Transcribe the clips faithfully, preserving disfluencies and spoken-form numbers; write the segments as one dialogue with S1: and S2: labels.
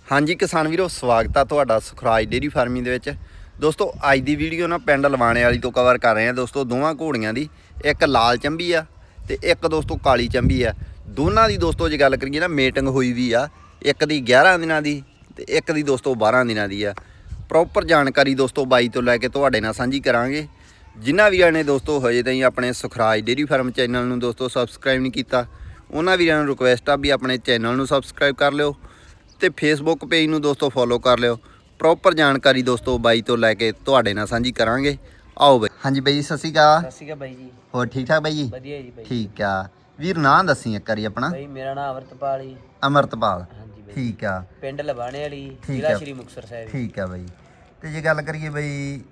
S1: हाँ जी किसान वीरो स्वागत है तुहाडा सुखराज डेयरी फार्मिंग दे विच। दोस्तों अज की वीडियो ना पिंड लवाणे वाली तो कवर कर रहे हैं दोस्तों। दोवां घोड़ियां दी एक लाल चंबी आ ते एक दोस्तों काली चंबी आ। दोनों की दोस्तों जो गल करिए ना मेटिंग हुई भी आ, एक दी ग्यारह दिनां दी ते एक दी दोस्तों बारह दिनां दी आ। प्रॉपर जानकारी दोस्तों बाई तो लैके तुहाडे नाल सांझी करांगे। जिन्हां वीरां ने दोस्तों हजे ताईं अपने सुखराज डेयरी फार्म चैनल नूं दोस्तों सबसक्राइब नहीं कीता, उन्हां वीरां नूं रिक्वेस्ट आ भी अपने चैनल नूं सबसक्राइब कर लिओ ते फेसबुक पेज नूं दोस्तों फॉलो कर लिओ। प्रॉपर जानकारी दोस्तों बाई तो लैके तुहाडे नाल सांझी करांगे। आओ बई। हाँ जी बई सत श्री अकाल।
S2: सत श्री अकाल बाई जी।
S1: होर ठीक ठाक बाई जी?
S2: वधिया जी बाई।
S1: ठीक आ वीर, नाम दसी एक बारी अपना।
S2: बाई मेरा नाम अमरतपाल जी।
S1: अमरतपाल।
S2: हाँ जी बाई।
S1: ठीक आ।
S2: पिंड लबाणे वाली,
S1: ठीक
S2: जिला
S1: आ।
S2: श्री मुक्तसर साहिब।
S1: ठीक आ बई। ते जे गल करिए बई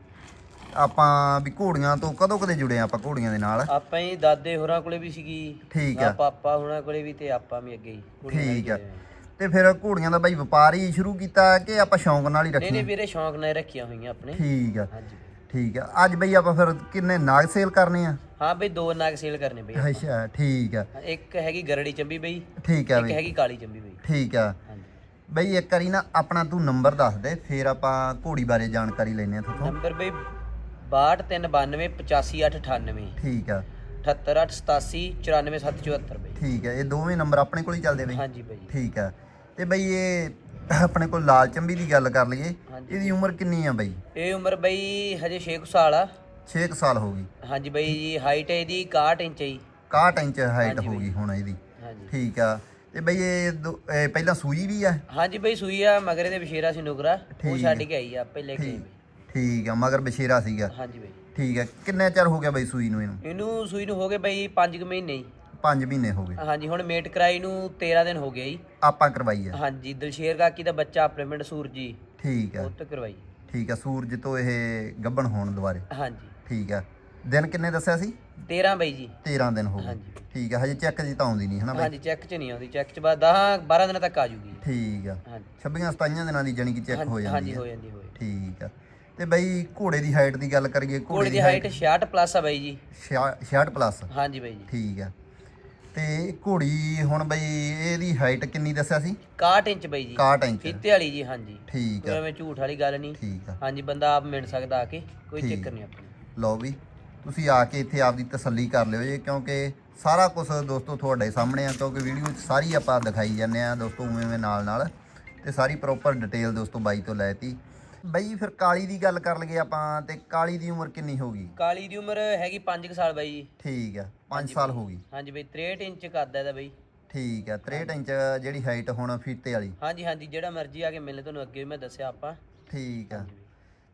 S1: ਆਪਾਂ ਵੀ ਘੋੜੀਆਂ ਤੋਂ ਕਦੋਂ ਕਦੇ ਜੁੜੇ ਆਪਾਂ ਘੋੜੀਆਂ ਦੇ ਨਾਲ?
S2: ਆਪਾਂ ਹੀ ਦਾਦੇ ਹੋਰਾਂ ਕੋਲੇ ਵੀ ਸੀਗੀ।
S1: ਠੀਕ ਆ।
S2: ਪਾਪਾ ਹੋਰਾਂ ਕੋਲੇ ਵੀ ਤੇ ਆਪਾਂ ਵੀ ਅੱਗੇ ਹੀ ਘੋੜੀਆਂ ਨਾਲ
S1: ਠੀਕ ਆ।
S2: ਜੁੜੇ ਹੋਏ ਹਾਂ।
S1: ਤੇ ਫਿਰ ਘੋੜੀਆਂ ਦਾ ਬਾਈ ਵਪਾਰ ਹੀ ਸ਼ੁਰੂ ਕੀਤਾ ਕਿ ਆਪਾਂ ਸ਼ੌਂਕ ਨਾਲ ਹੀ
S2: ਨਹੀਂ
S1: ਰੱਖੀਆਂ?
S2: ਨਹੀਂ ਵੀਰੇ, ਸ਼ੌਂਕ ਨਾਲ ਰੱਖੀਆਂ ਹੋਈਆਂ ਆਪਣੇ।
S1: ਠੀਕ ਆ।
S2: ਹਾਂਜੀ
S1: ਠੀਕ ਆ। ਅੱਜ ਬਈ ਆਪਾਂ ਫਿਰ ਕਿੰਨੇ ਨਾਗ ਸੇਲ ਕਰਨੇ ਆ?
S2: ਹਾਂ ਬਈ, ਦੋ ਨਾਗ ਸੇਲ ਕਰਨੇ ਬਈ ਆਪਾਂ।
S1: ਅੱਛਾ ਠੀਕ ਆ।
S2: ਇੱਕ ਹੈਗੀ ਗਰੜੀ ਚੰਬੀ ਬਈ,
S1: ਠੀਕ ਆ
S2: ਇੱਕ
S1: ਬਈ।
S2: ਹੈਗੀ ਕਾਲੀ ਚੰਬੀ ਬਈ।
S1: ਠੀਕ ਆ
S2: ਹਾਂਜੀ
S1: ਬਈ। ਇੱਕ ਵਾਰੀ ਨਾ ਆਪਣਾ ਤੂੰ ਨੰਬਰ ਦੱਸ ਦੇ, ਫਿਰ ਆਪਾਂ ਘੋੜੀ ਬਾਰੇ ਜਾਣਕਾਰੀ ਲੈਣੇ ਆ ਤੁਹਾਡੇ
S2: ਨੰਬਰ ਬਈ ਬਾਹਠ ਤਿੰਨ ਬਾਨਵੇਂ ਪਚਾਸੀ ਅੱਠ ਅਠਾਨਵੇਂ।
S1: ਠੀਕ ਆ।
S2: ਅਠੱਤਰ ਅੱਠ ਸਤਾਸੀ ਚੁਰਾਨਵੇਂ ਸੱਤ ਚੁਹੱਤਰ ਬਈ।
S1: ਠੀਕ ਆ। ਇਹ ਦੋਵੇਂ ਨੰਬਰ ਆਪਣੇ ਕੋਲ ਹੀ ਚੱਲਦੇ ਬਈ?
S2: ਹਾਂਜੀ ਬਈ।
S1: ਠੀਕ ਆ। ਤੇ ਬਈ ਇਹ ਆਪਣੇ ਕੋਲ ਲਾਲ ਚੰਬੀ ਦੀ ਗੱਲ ਕਰ ਲਈਏ, ਇਹਦੀ ਉਮਰ ਕਿੰਨੀ ਆ ਬਈ?
S2: ਇਹ ਉਮਰ ਬਈ ਹਜੇ ਛੇ ਕੁ ਸਾਲ ਆ।
S1: ਛੇ ਕੁ ਸਾਲ ਹੋ ਗਈ।
S2: ਹਾਂਜੀ ਬਈ ਜੀ। ਹਾਈਟ ਹੈ ਇਹਦੀ ਇਕਾਹਠ ਇੰਚ ਹੈ ਜੀ।
S1: ਇਕਾਹਠ ਇੰਚ ਹਾਈਟ
S2: ਹਾਂਜੀ
S1: ਹੋ
S2: ਬਈ।
S1: ਗਈ ਹੁਣ ਇਹਦੀ।
S2: ਹਾਂਜੀ
S1: ਠੀਕ ਆ। ਤੇ ਬਈ ਇਹ ਦੋ- ਇਹ ਪਹਿਲਾਂ ਸੂਈ ਵੀ ਆ?
S2: ਹਾਂਜੀ ਬਈ, ਸੂਈ ਆ ਮਗਰੇ ਦੇ ਵਿਸ਼ੇਰਾ ਸੀ ਨੁਕਰਾ, ਉਹ
S1: ਠੀਕ
S2: ਛੱਡ ਕੇ ਆਈ ਆ, ਆਪੇ ਲੈ ਕੇ ਆਈ
S1: ਠੀਕ
S2: ਬਈ।
S1: ਠੀਕ ਆ। ਮਗਰ ਬਸ਼ੇਰਾ ਸੀਗਾ?
S2: ਹਾਂਜੀ ਬਈ।
S1: ਠੀਕ ਆ। ਕਿੰਨੇ ਚਿਰ ਹੋ ਗਿਆ ਬਈ ਸੂਈ ਨੂੰ ਇਹਨੂੰ?
S2: ਇਹਨੂੰ ਸੂਈ ਨੂੰ ਹੋ ਗਏ ਬਈ ਪੰਜ ਕੁ ਮਹੀਨੇ ਜੀ।
S1: ਪੰਜ ਮਹੀਨੇ ਹੋ ਗਏ।
S2: ਹਾਂਜੀ, ਹੁਣ ਮੇਟ ਕਰਾਈ ਨੂੰ ਤੇਰਾਂ ਦਿਨ ਹੋ ਗਏ ਜੀ।
S1: ਆਪਾਂ ਕਰਵਾਈ ਆ?
S2: ਹਾਂਜੀ, ਦਲਸ਼ੇਰ ਕਾਕੀ ਦਾ ਬੱਚਾ ਆਪਣੇ ਪਿੰਡ ਸੂਰਜੀ,
S1: ਠੀਕ ਆ।
S2: ਉਹ ਤੋਂ ਕਰਵਾਈ।
S1: ਠੀਕ ਆ। ਸੂਰਜ ਤੋਂ ਇਹ ਗੱਭਣ ਹੋਣ ਦੁਬਾਰੇ?
S2: ਹਾਂਜੀ।
S1: ਠੀਕ ਆ। ਦਿਨ ਕਿੰਨੇ ਦੱਸਿਆ ਸੀ?
S2: ਤੇਰਾਂ ਬਈ ਜੀ।
S1: ਤੇਰਾਂ ਦਿਨ ਹੋ ਗਏ।
S2: ਹਾਂਜੀ।
S1: ਠੀਕ ਆ। ਹਜੇ ਚੈੱਕ ਜੀ ਤਾਂ ਆਉਂਦੀ ਨਹੀਂ ਹਨਾ ਬਈ?
S2: ਹਾਂਜੀ, ਚੈੱਕ 'ਚ ਨਹੀਂ ਆਉਂਦੀ, ਚੈੱਕ 'ਚ ਬਾਅਦ ਦਸ ਬਾਰਾਂ ਦਿਨਾਂ ਤੱਕ ਆ ਜੂਗੀ।
S1: ਠੀਕ ਆ।
S2: ਹਾਂਜੀ
S1: ਛੱਬੀਆਂ ਸਤਾਈਆਂ ਦਿਨਾਂ ਦੀ ਜਾਨੀ ਕਿ ਚੈੱਕ ਹੋ ਜਾਂਦੀ
S2: ਹਾਂਜੀ,
S1: ਆ?
S2: ਹੋ ਜਾਂਦੀ ਹੋਏ।
S1: ਠੀਕ ਆ। ਤੇ ਬਈ ਘੋੜੇ ਦੀ ਹਾਈਟ ਦੀ ਗੱਲ ਕਰੀਏ,
S2: ਘੋੜੇ ਦੀ ਹਾਈਟ ਛਿਆਹਠ ਪਲੱਸ ਆ ਬਾਈ ਜੀ।
S1: ਛਿਆਹਠ ਪਲੱਸ?
S2: ਹਾਂਜੀ ਬਾਈ ਜੀ।
S1: ਠੀਕ ਆ। ਤੇ ਘੋੜੀ ਹੁਣ ਬਈ ਇਹਦੀ ਹਾਈਟ ਕਿੰਨੀ ਦੱਸਿਆ ਸੀ?
S2: ਇਕਾਹਠ ਇੰਚ ਬਾਈ ਜੀ।
S1: ਇਕਾਹਠ ਇੰਚ?
S2: ਫੀਤੇ ਵਾਲੀ ਜੀ। ਹਾਂਜੀ,
S1: ਠੀਕ
S2: ਕੋਈ
S1: ਆ।
S2: ਐਵੇਂ ਝੂਠ ਵਾਲੀ ਗੱਲ ਨਹੀਂ।
S1: ਠੀਕ ਆ।
S2: ਹਾਂਜੀ, ਬੰਦਾ ਆਪ ਮਿਲ ਸਕਦਾ ਆ ਕੇ, ਕੋਈ
S1: ਠੀਕ।
S2: ਚੱਕਰ ਨਹੀਂ ਆਪਣੀ।
S1: ਲਓ ਵੀ ਤੁਸੀਂ ਆ ਕੇ ਇੱਥੇ ਆਪਦੀ ਤਸੱਲੀ ਕਰ ਲਿਓ ਜੀ, ਕਿਉਂਕਿ ਸਾਰਾ ਕੁਝ ਦੋਸਤੋ ਤੁਹਾਡੇ ਸਾਹਮਣੇ ਆ, ਕਿਉਂਕਿ ਵੀਡੀਓ 'ਚ ਸਾਰੀ ਆਪਾਂ ਦਿਖਾਈ ਜਾਂਦੇ ਆ ਦੋਸਤੋ ਉਵੇਂ ਉਵੇਂ ਨਾਲ ਨਾਲ, ਤੇ ਸਾਰੀ ਪ੍ਰੋਪਰ ਡਿਟੇਲ ਦੋਸਤੋ ਬਾਈ ਤੋਂ ਲੈਤੀ। ਬਈ ਫਿਰ ਕਾਲੀ ਦੀ ਗੱਲ ਕਰ ਲਈਏ ਆਪਾਂ, ਤੇ ਕਾਲੀ ਦੀ ਉਮਰ ਕਿੰਨੀ ਹੋ ਗਈ?
S2: ਕਾਲੀ ਦੀ ਉਮਰ ਹੈਗੀ ਪੰਜ ਕੁ ਸਾਲ ਬਾਈ ਜੀ।
S1: ਠੀਕ ਆ। ਪੰਜ
S2: ਹਾਂਜੀ
S1: ਸਾਲ
S2: ਬਾਈ।
S1: ਹੋ ਗਈ।
S2: ਹਾਂਜੀ ਬਾਈ, ਤਰੇਹਠ ਇੰਚ ਕੱਦ ਇਹਦਾ ਬਾਈ।
S1: ਠੀਕ ਆ। ਤਰੇਹਠ ਇੰਚ ਜਿਹੜੀ ਹਾਈਟ ਹੁਣ ਫੀਤੇ ਵਾਲੀ?
S2: ਹਾਂਜੀ ਹਾਂਜੀ, ਜਿਹੜਾ ਮਰਜ਼ੀ ਆ ਕੇ ਮਿਲੇ, ਤੁਹਾਨੂੰ ਅੱਗੇ ਵੀ ਮੈਂ ਦੱਸਿਆ ਆਪਾਂ।
S1: ਠੀਕ ਆ।
S2: ਹਾਂਜੀ ਬਾਈ।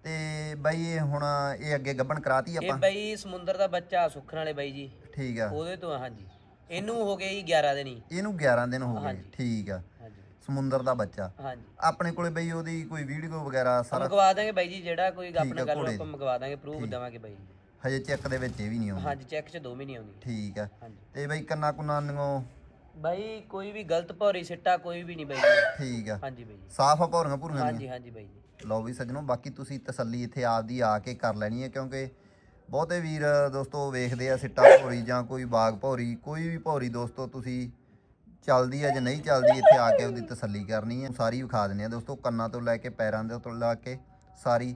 S1: ਤੇ ਬਾਈ ਇਹ ਹੁਣ ਇਹ ਅੱਗੇ ਗੱਭਣ ਕਰਾਤੀ
S2: ਇਹ
S1: ਆਪਾਂ?
S2: ਬਾਈ ਸਮੁੰਦਰ ਦਾ ਬੱਚਾ ਸੁੱਖਣ ਵਾਲੇ ਬਾਈ ਜੀ,
S1: ਠੀਕ ਆ।
S2: ਉਹਦੇ ਤੋਂ ਆ। ਹਾਂਜੀ, ਇਹਨੂੰ ਹੋ ਗਏ ਜੀ ਗਿਆਰਾਂ ਦਿਨ ਹੀ।
S1: ਇਹਨੂੰ ਗਿਆਰਾਂ ਦਿਨ ਹੋ ਗਏ?
S2: ਹਾਂਜੀ।
S1: ਠੀਕ ਆ।
S2: ਹਾਂਜੀ
S1: ਸਮੁੰਦਰ ਦਾ ਬੱਚਾ?
S2: ਹਾਂਜੀ।
S1: ਆਪਣੇ ਕੋਲੇ ਬਈ ਉਹਦੀ ਕੋਈ ਵੀਡੀਓ ਵਗੈਰਾ ਸਾਰਾ
S2: ਮੰਗਵਾ ਦਾਂਗੇ ਬਾਈ ਜੀ, ਜਿਹੜਾ ਕੋਈ ਆਪਣੇ ਗੱਲ ਨੂੰ
S1: ਘੋੜੇ
S2: ਆਪਾਂ ਮੰਗਵਾ ਦਾਂਗੇ, ਪ੍ਰੂਫ ਦੇਵਾਂਗੇ ਬਾਈ ਜੀ।
S1: ਹਜੇ ਚੈੱਕ ਦੇ ਵਿੱਚ ਇਹ ਵੀ ਨਹੀਂ ਆਉਂਦੀ?
S2: ਹਾਂਜੀ, ਚੈੱਕ 'ਚ ਦੋ ਮਹੀਨੇ ਆਉਂਦੀ।
S1: ਠੀਕ ਆ।
S2: ਹਾਂਜੀ
S1: ਤੇ ਬਈ ਕੰਨਾ ਕੁੰਨਾ ਨੂੰ?
S2: ਬਾਈ ਕੋਈ ਵੀ ਗਲਤ ਭੌਰੀ ਸਿੱਟਾ ਕੋਈ ਵੀ ਨਹੀਂ ਬਾਈ ਜੀ।
S1: ਠੀਕ ਆ।
S2: ਹਾਂਜੀ ਬਾਈ ਜੀ।
S1: ਸਾਫ ਆ ਭੌਰੀਆਂ ਭੂਰੀਆਂ?
S2: ਹਾਂਜੀ ਹਾਂਜੀ ਬਾਈ ਜੀ।
S1: ਲਓ ਵੀ ਸੱਜਣੋ, ਬਾਕੀ ਤੁਸੀਂ ਤਸੱਲੀ ਇੱਥੇ ਆਪਦੀ ਆ ਕੇ ਕਰ ਲੈਣੀ ਹੈ, ਕਿਉਂਕਿ ਬਹੁਤੇ ਵੀਰ ਦੋਸਤੋ ਵੇਖਦੇ ਆ ਸਿੱਟਾ ਭੌਰੀ ਜਾਂ ਕੋਈ ਬਾਗ ਭੌਰੀ, ਕੋਈ ਵੀ ਭੌਰੀ ਦੋਸਤੋ ਤੁਸੀਂ ਚੱਲਦੀ ਹੈ ਜਾਂ ਨਹੀਂ ਚੱਲਦੀ, ਇੱਥੇ ਆ ਕੇ ਉਹਦੀ ਤਸੱਲੀ ਕਰਨੀ ਹੈ। ਸਾਰੀ ਵਿਖਾ ਦਿੰਦੇ ਆ ਦੋਸਤੋ, ਕੰਨਾਂ ਤੋਂ ਲੈ ਕੇ ਪੈਰਾਂ ਦੇ ਤੋਂ ਲੈ ਕੇ ਸਾਰੀ।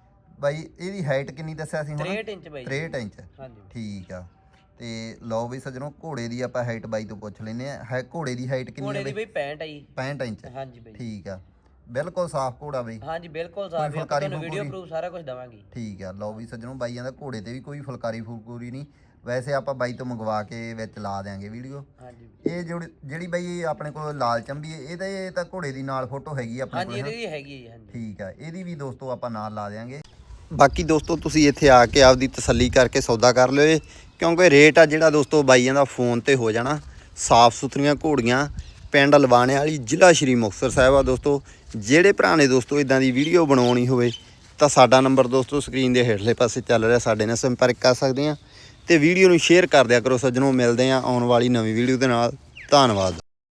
S1: ਬਾਈ ਇਹਦੀ ਹਾਈਟ ਕਿੰਨੀ ਦੱਸਿਆ ਸੀ ਹੁਣ?
S2: ਤਰੇਹਠ ਇੰਚ ਬਾਈ ਜੀ।
S1: ਤਰੇਹਠ ਇੰਚ?
S2: ਹਾਂਜੀ
S1: ਠੀਕ ਆ। ਤੇ ਲਓ ਵੀ ਸੱਜਣੋ, ਘੋੜੇ ਦੀ ਆਪਾਂ ਹਾਈਟ ਬਾਈ ਤੋਂ ਪੁੱਛ ਲੈਂਦੇ ਆ। ਹੈ ਘੋੜੇ ਦੀ ਹਾਈਟ ਕਿੰਨੀ
S2: ਘੋੜੇ
S1: ਹੈ
S2: ਦੀ
S1: ਬਈ?
S2: ਬਾਈ ਪੈਂਹਠ ਆ ਜੀ।
S1: ਪੈਂਹਠ ਇੰਚ?
S2: ਹਾਂਜੀ ਬਾਈ।
S1: ਠੀਕ ਆ। ਬਿਲਕੁਲ ਸਾਫ ਘੋੜਾ ਬਈ?
S2: ਹਾਂਜੀ ਬਿਲਕੁਲ ਸਾਫ ਹੈ,
S1: ਫੁਲਕਾਰੀ
S2: ਤੁਹਾਨੂੰ ਵੀਡੀਓ
S1: ਫੁਲਕੂਰੀ?
S2: ਪ੍ਰੂਫ ਸਾਰਾ ਕੁਝ ਦਵਾਂਗੇ।
S1: ਠੀਕ ਆ। ਲਓ ਵੀ ਸੱਜਣੋ, ਬਾਈਆਂ ਦਾ ਘੋੜੇ ਤੇ ਵੀ ਕੋਈ ਫੁਲਕਾਰੀ ਫੁਲਕੂਰੀ ਨਹੀਂ, ਵੈਸੇ ਆਪਾਂ ਬਾਈ ਤੋਂ ਮੰਗਵਾ ਕੇ ਵਿੱਚ ਲਾ ਦਿਆਂਗੇ ਵੀਡੀਓ।
S2: ਹਾਂਜੀ।
S1: ਇਹ ਜਿਹੜੀ ਜਿਹੜੀ ਬਾਈ ਆਪਣੇ ਕੋਲ ਲਾਲ ਚੰਬੀ ਹੈ, ਇਹਦੇ ਤਾਂ ਘੋੜੇ ਦੀ ਨਾਲ ਫੋਟੋ ਹੈਗੀ ਆਪਣੇ
S2: ਹਾਂਜੀ,
S1: ਕੋਲ?
S2: ਇਹਦੀ ਵੀ ਹੈਗੀ ਹੈ ਜੀ। ਹਾਂਜੀ
S1: ਠੀਕ ਆ। ਇਹਦੀ ਵੀ ਦੋਸਤੋ ਆਪਾਂ ਨਾਲ ਲਾ ਦਿਆਂਗੇ। ਬਾਕੀ ਦੋਸਤੋ ਤੁਸੀਂ ਇੱਥੇ ਆ ਕੇ ਆਪਦੀ ਤਸੱਲੀ ਕਰਕੇ ਸੌਦਾ ਕਰ ਲਿਓ, ਕਿਉਂਕਿ ਰੇਟ ਆ ਜਿਹੜਾ ਦੋਸਤੋ ਬਾਈਆਂ ਦਾ ਫੋਨ ਤੇ ਹੋ ਜਾਣਾ। ਸਾਫ ਸੁਥਰੀਆਂ ਘੋੜੀਆਂ, ਪਿੰਡ ਲਵਾਣੇ ਵਾਲੀ, ਜ਼ਿਲ੍ਹਾ ਸ਼੍ਰੀ ਮੁਕਤਸਰ ਸਾਹਿਬ ਆ ਦੋਸਤੋ। ਜਿਹੜੇ ਭਰਾ ਨੇ ਦੋਸਤੋ ਇਦਾਂ ਦੀ ਵੀਡੀਓ ਬਣਾਉਣੀ ਹੋਵੇ ਤਾਂ ਸਾਡਾ ਨੰਬਰ ਦੋਸਤੋ ਸਕਰੀਨ ਦੇ ਹੇਠਲੇ ਪਾਸੇ ਚੱਲ ਰਿਹਾ, ਸਾਡੇ ਨਾਲ ਸੰਪਰਕ ਕਰ ਸਕਦੇ ਆ। ਤੇ ਵੀਡੀਓ ਨੂੰ ਸ਼ੇਅਰ ਕਰ ਦਿਆ ਕਰੋ ਸੱਜਣੋ। ਮਿਲਦੇ ਆ ਆਉਣ ਵਾਲੀ ਨਵੀਂ ਵੀਡੀਓ ਦੇ ਨਾਲ। ਧੰਨਵਾਦ।